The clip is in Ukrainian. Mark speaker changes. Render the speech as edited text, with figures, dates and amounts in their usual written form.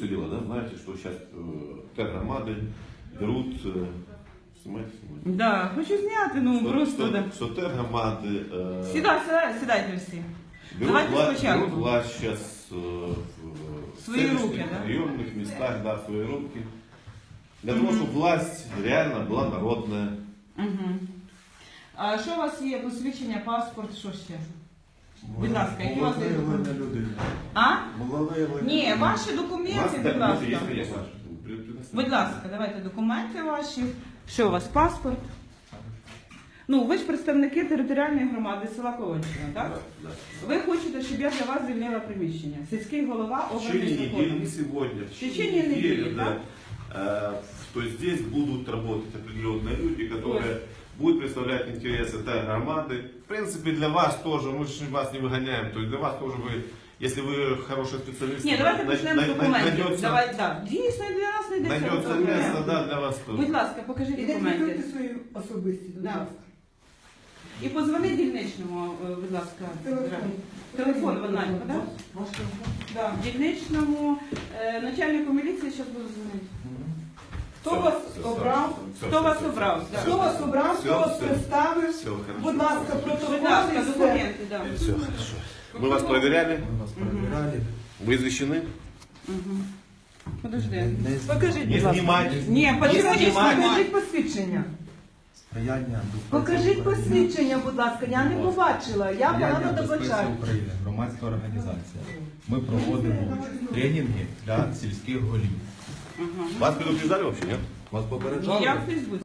Speaker 1: все дело, да? Знаете, что сейчас тергромады берут... Снимайте.
Speaker 2: Да, хочу зняти, ну просто... да.
Speaker 1: Что тергромады...
Speaker 2: Сідайте всі.
Speaker 1: Берут
Speaker 2: Давайте спочатку.
Speaker 1: власть сейчас в
Speaker 2: Свои руки, да?
Speaker 1: районных местах, да, в свои руки. Для того, чтобы власть реально была народная.
Speaker 2: А що у вас є? Посвідчення, паспорт, що ще? Будь ласка, які у вас є документи? А? Ні, ваші документи, будь ласка. Будь ласка, давайте документи ваші. Що у вас, паспорт? Ну, ви ж представники територіальної громади села Колонщина, так?
Speaker 1: Да.
Speaker 2: Ви хочете, щоб я для вас звільнила приміщення. Сільський голова
Speaker 1: В течение недели, не
Speaker 2: обраний
Speaker 1: сегодня.
Speaker 2: В течение недели,
Speaker 1: да. То есть здесь будут работать определенные люди, которые будут представлять интересы тергромады. В принципе, для вас тоже, мы же вас не выгоняем, то есть для вас тоже вы, если вы хороший специалист,
Speaker 2: Ні, давайте почнемо з документів.
Speaker 1: найдется,
Speaker 2: Давай, да. Дійсно, для нас не йдеться.
Speaker 1: найдется место, да, для вас тоже.
Speaker 2: Будь ласка, покажіть документи.
Speaker 3: Ідентифікуйте свої особисті, будь
Speaker 2: Да.
Speaker 3: ласка.
Speaker 2: І позвони дільничному, будь ласка. Телефон в онлайн, так?
Speaker 3: Ваш телефон?
Speaker 2: Да. Дільничному, начальнику міліції зараз буду дзвонити. Хто
Speaker 1: Все,
Speaker 2: вас
Speaker 1: все,
Speaker 2: обрав?
Speaker 1: все,
Speaker 2: Хто
Speaker 1: все,
Speaker 2: вас
Speaker 1: все,
Speaker 2: обрав?
Speaker 1: все,
Speaker 2: Да.
Speaker 3: Хто вас обрав,
Speaker 1: Все,
Speaker 3: хто вас
Speaker 1: все.
Speaker 3: представив?
Speaker 1: Все хорошо.
Speaker 3: Будь ласка,
Speaker 2: Будь
Speaker 3: протокол
Speaker 2: ласка,
Speaker 3: і все.
Speaker 2: документи, да.
Speaker 1: Все хорошо. Мы вас проверяли?
Speaker 4: Мы вас проверяли.
Speaker 1: Вы извещены?
Speaker 2: Подожди.
Speaker 3: Покажіть,
Speaker 1: Не
Speaker 3: будь ласка.
Speaker 1: снимать.
Speaker 2: Ні, почему не
Speaker 1: знімати.
Speaker 2: знімати?
Speaker 3: Покажіть посвідчення.
Speaker 4: Сприяння
Speaker 3: Покажіть посвідчення, будь ласка. Я не побачила. Я погано
Speaker 4: безпеці
Speaker 3: добачаю.
Speaker 4: України, громадська організація. Ми проводимо тренінги для сільських голів.
Speaker 1: Вас предупреждали вообще, нет?
Speaker 4: Вас
Speaker 2: Я
Speaker 4: попереджали?
Speaker 2: в Фейсбуці.